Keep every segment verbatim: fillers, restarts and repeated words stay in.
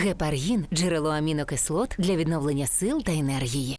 Гепаргін – джерело амінокислот для відновлення сил та енергії.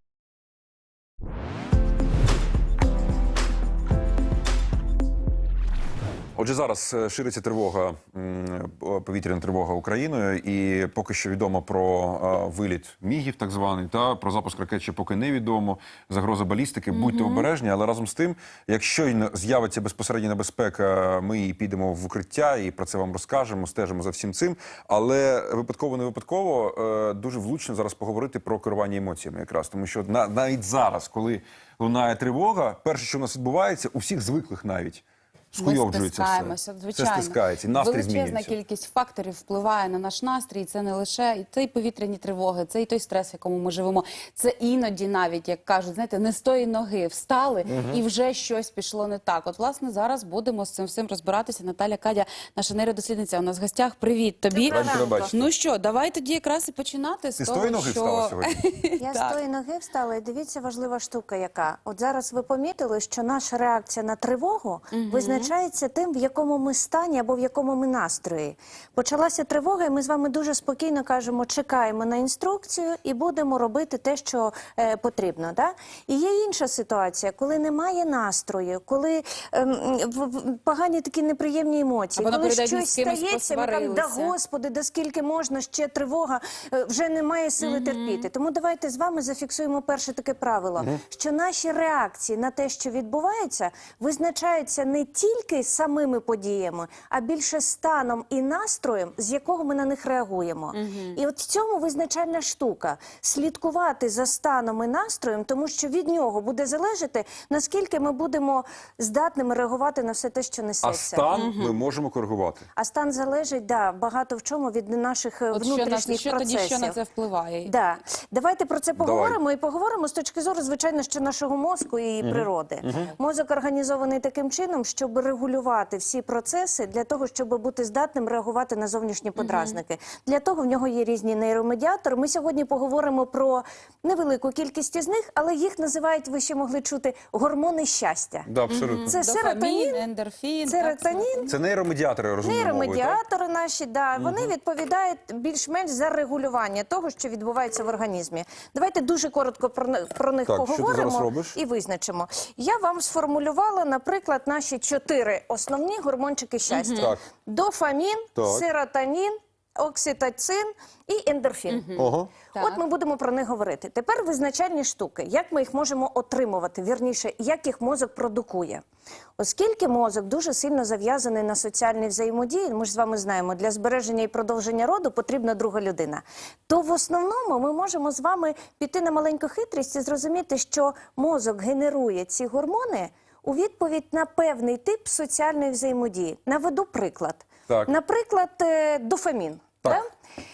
Отже, зараз шириться тривога, повітряна тривога Україною, і поки що відомо про виліт мігів, так званий, та про запуск ракет ще поки не відомо, загроза балістики, будьте mm-hmm. обережні, але разом з тим, якщо з'явиться безпосередня небезпека, ми підемо в укриття і про це вам розкажемо, стежимо за всім цим, але випадково-не випадково дуже влучно зараз поговорити про керування емоціями якраз, тому що навіть зараз, коли лунає тривога, перше, що у нас відбувається, у всіх звиклих навіть, Ми стискаємося, звичайно. Це стискається, настрій Величезна змінюється. кількість факторів впливає на наш настрій. Це не лише і ті повітряні тривоги, це і той стрес, в якому ми живемо. Це іноді навіть, як кажуть, знаєте, не з тої ноги встали, угу. і вже щось пішло не так. От, власне, зараз будемо з цим всім розбиратися. Наталя Кадя, наша нейродослідниця, у нас в гостях. Привіт тобі. Ну що, давай тоді якраз і починати з Ти того, з тої ноги що... встала сьогодні? Я з тої ноги встала, і дивіться, важлива штука яка. От зараз ви помітили, що наша реакція на тривогу угу. визначається тим, в якому ми стані або в якому ми настрої. Почалася тривога, і ми з вами дуже спокійно кажемо, чекаємо на інструкцію і будемо робити те, що е, потрібно. Да? І є інша ситуація, коли немає настрою, коли е, в, в, погані такі неприємні емоції, коли щось стається, ми кажемо, да Господи, да скільки можна, ще тривога, е, вже немає сили mm-hmm. терпіти. Тому давайте з вами зафіксуємо перше таке правило, mm-hmm. що наші реакції на те, що відбувається, визначаються не тільки самими подіями, а більше станом і настроєм, з якого ми на них реагуємо. Угу. І от в цьому визначальна штука – слідкувати за станом і настроєм, тому що від нього буде залежати, наскільки ми будемо здатними реагувати на все те, що несеться. А стан угу. ми можемо коригувати? А стан залежить, да, багато в чому від наших от внутрішніх що, процесів. Тоді що на це впливає? Да. Давайте про це поговоримо. Давай. І поговоримо з точки зору, звичайно, що нашого мозку і угу. природи. Угу. Мозок організований таким чином, щоб регулювати всі процеси для того, щоб бути здатним реагувати на зовнішні подразники. Mm-hmm. Для того в нього є різні нейромедіатори. Ми сьогодні поговоримо про невелику кількість із них, але їх називають, ви ще могли чути, гормони щастя. Да, абсолютно. Це серотонін, ендорфін, серотонін. Це нейромедіатори, розуміємо. Нейромедіатори наші, да, вони mm-hmm. відповідають більш-менш за регулювання того, що відбувається в організмі. Давайте дуже коротко про, про них так, поговоримо і визначимо. Я вам сформулювала, наприклад, наші чотири основні гормончики щастя. Так. Дофамін, так. серотонін, окситоцин і ендорфін. Угу. От ми будемо про них говорити. Тепер визначальні штуки. Як ми їх можемо отримувати, вірніше, як їх мозок продукує. Оскільки мозок дуже сильно зав'язаний на соціальній взаємодії, ми ж з вами знаємо, для збереження і продовження роду потрібна друга людина, то в основному ми можемо з вами піти на маленьку хитрість і зрозуміти, що мозок генерує ці гормони у відповідь на певний тип соціальної взаємодії. Наведу приклад. Так. Наприклад, дофамін. Так. Да?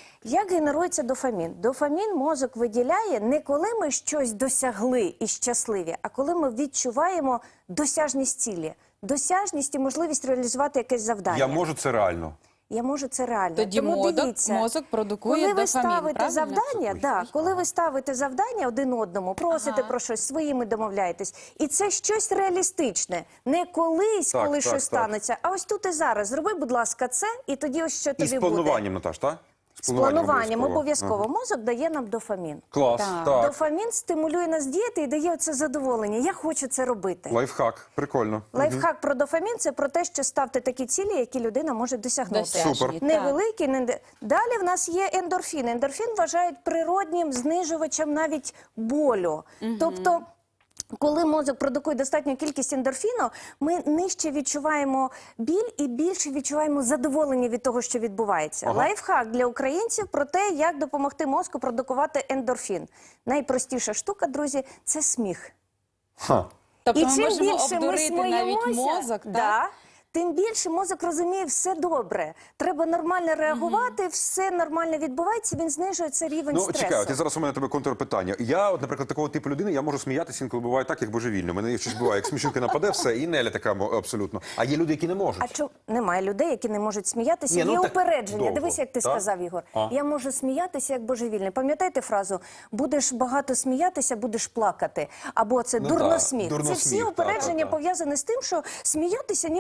Як генерується дофамін? Дофамін мозок виділяє не коли ми щось досягли і щасливі, а коли ми відчуваємо досяжність цілі. Досяжність і можливість реалізувати якесь завдання. Я можу це реально. Я можу це реально. Тоді Тому мозок, дивіться, мозок продукує коли ви дофамін, ставите правильно? завдання, да, коли ви ставите завдання один одному, просите ага. про щось, своїми домовляєтесь, і це щось реалістичне, не колись, так, коли так, щось так. станеться, а ось тут і зараз. Зроби, будь ласка, це, і тоді ось що тобі буде. І з плануванням, Наташ, так? З плануванням обов'язково. Ага. Мозок дає нам дофамін. Клас, так. так. Дофамін стимулює нас діяти і дає оце задоволення. Я хочу це робити. Лайфхак, прикольно. Лайфхак про дофамін – це про те, що ставте такі цілі, які людина може досягнути. Досяжні, Супер. Невеликі. Не... Далі в нас є ендорфін. Ендорфін вважають природнім знижувачем навіть болю. Угу. Тобто, коли мозок продукує достатню кількість ендорфіну, ми нижче відчуваємо біль і більше відчуваємо задоволення від того, що відбувається. Ага. Лайфхак для українців про те, як допомогти мозку продукувати ендорфін. Найпростіша штука, друзі, це сміх. Ха. Тобто і ми чим можемо більше обдурити ми навіть сміємося, мозок, так? Да, тим більше мозок розуміє, все добре. Треба нормально реагувати, mm-hmm. все нормально відбувається, він знижує цей рівень ну, стресу. Ну, чекай, ти зараз у мене тебе контрпитання. Я, от, наприклад, такого типу людини, я можу сміятися, інколи буває так, як божевільно. Мене щось буває, як смішинка нападе, все, і Неля така абсолютно. А є люди, які не можуть. А чому? Немає людей, які не можуть сміятися. Ні, ну, є так упередження. довго. Дивись, як ти так? сказав, Ігор. А? Я можу сміятися, як божевільний. Пам'ятаєте фразу? Будеш багато сміятися, будеш плакати. Або це ну, дурносміх. Дурносміх. Це всі упередження пов'язані з тим, що сміятися ніби ненормально.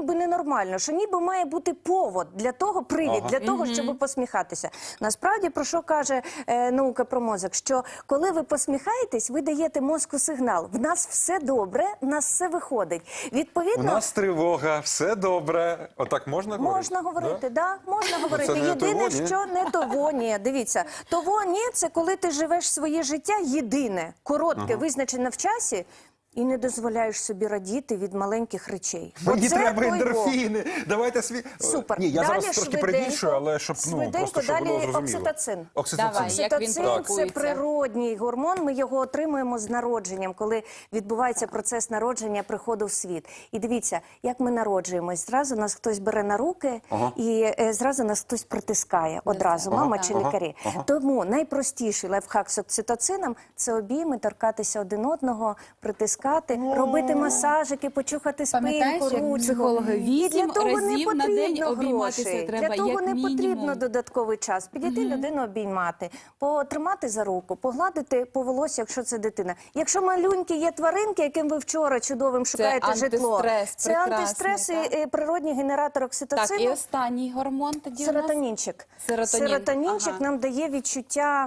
нормально, що ніби має бути повод для того, привід Ага. для того, щоб посміхатися. Насправді, про що каже е, наука про мозок? Що коли ви посміхаєтесь, ви даєте мозку сигнал. В нас все добре, в нас все виходить. У Відповідно, нас тривога, все добре. Отак можна говорити? можна говорити, да? можна говорити. це не Єдине, того, ні? що не того, ні. Дивіться, того, ні, це коли ти живеш своє життя єдине, коротке, визначене в часі, і не дозволяєш собі радіти від маленьких речей. Мені Оце треба той Бог. ендорфіни. Давайте свій. Супер. Ні, я Далі зараз трошки швиденько, перебільшую, але щоб ну швиденько, просто щоб далі було зрозуміло. окситоцин. Окситоцин. Давай. Як він Окситоцин – це продукується? природній гормон, ми його отримуємо з народженням, коли відбувається процес народження, приходу в світ. І дивіться, як ми народжуємось. Зразу нас хтось бере на руки, Ага. і е, зразу нас хтось притискає. Одразу, мама чи Ага. лікарі. Ага. Тому найпростіший лайфхак з окситоцином – це обійми, торкатися один одного, притискати, робити масажики, почухати Пам'ятаєш, спинку, як ручку. психологи, І вісім для того не разів на день потрібно обійматися грошей. треба, Для того як не мінімум. потрібно додатковий час. Підійти людину обіймати, потримати за руку, погладити по волосі, якщо це дитина. Якщо малюнькі є тваринки, яким ви вчора чудовим шукаєте житло, антистрес це прекрасний, антистрес і так? е, природній генератор Так, і окситоцину. останній гормон тоді у нас? Серотонінчик. Серотонін. Серотонінчик Ага. нам дає відчуття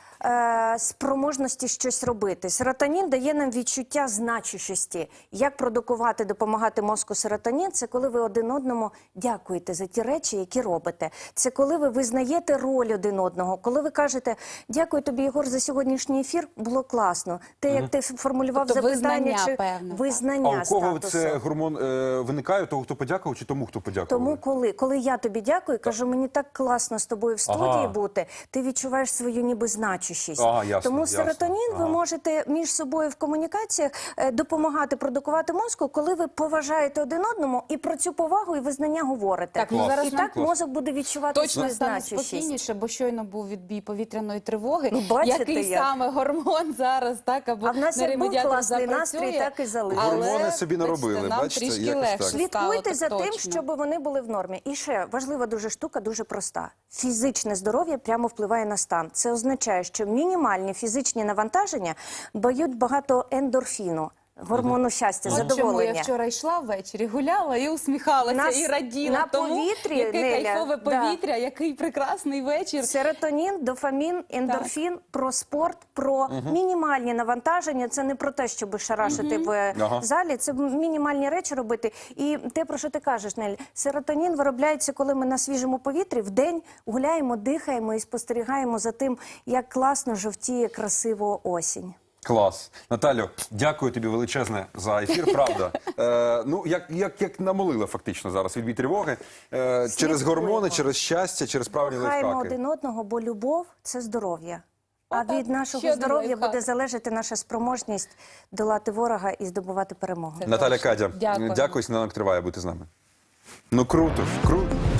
е, спроможності щось робити. Серотонін дає нам відчуття значущості. Як продукувати, допомагати мозку серотонін? Це коли ви один одному дякуєте за ті речі, які робите. Це коли ви визнаєте роль один одного. Коли ви кажете, дякую тобі, Єгор, за сьогоднішній ефір, було класно. Те, як ти формулював Тобто запитання, визнання, чи певне, так? визнання А у кого статусу. це гормон е, виникає? Того, хто подякував, чи тому, хто подякував? Тому коли, коли я тобі дякую, кажу, мені так класно з тобою в студії Ага. бути, ти відчуваєш свою ніби значущість. Ага, ясно, Тому ясно. серотонін ви Ага. можете між собою в комунікаціях е, допомагати продукувати мозку, коли ви поважаєте один одному і про цю повагу і визнання говорите. Так, ну Клас. зараз І нам так мозок буде відчувати точно свою стане значущість. спокійніше, бо щойно був відбій повітряної тривоги. Ну, бачите, Який як? саме гормон зараз, так, або А в нас як був нейромедіатор класний запрацює, настрій, так і залишився. але, Гормони собі наробили, бачите, нам бачите, трішки якось легше так. стало, Слідкуйте так за тим, точно. щоб вони були в нормі. І ще важлива дуже штука, дуже проста. Фізичне здоров'я прямо впливає на стан. Це означає, що мінімальні фізичні навантаження дають багато ендорфіну, гормону щастя, От чому задоволення. я вчора йшла ввечері, гуляла і усміхалася, Нас і раділа на тому, повітрі, яке Неля, кайфове да. повітря, який прекрасний вечір. Серотонін, дофамін, ендорфін, про спорт, про мінімальні навантаження. Це не про те, щоб шарашити в Ага. залі, це мінімальні речі робити. І те, про що ти кажеш, Нель, серотонін виробляється, коли ми на свіжому повітрі вдень гуляємо, дихаємо і спостерігаємо за тим, як класно жовтіє красиво осінь. Клас. Наталю, дякую тобі величезне за ефір, правда. Е, ну, як, як, як намолила фактично зараз відбій тривоги. Е, через гормони, через щастя, через правильні Кохаємо лайфхаки. один одного, бо любов – це здоров'я. А Отак. від нашого Ще один здоров'я лайфхак. буде залежати наша спроможність долати ворога і здобувати перемогу. Наталя точно. Кадя, Дякую. дякую, сніданок триває бути з нами. Ну круто, круто.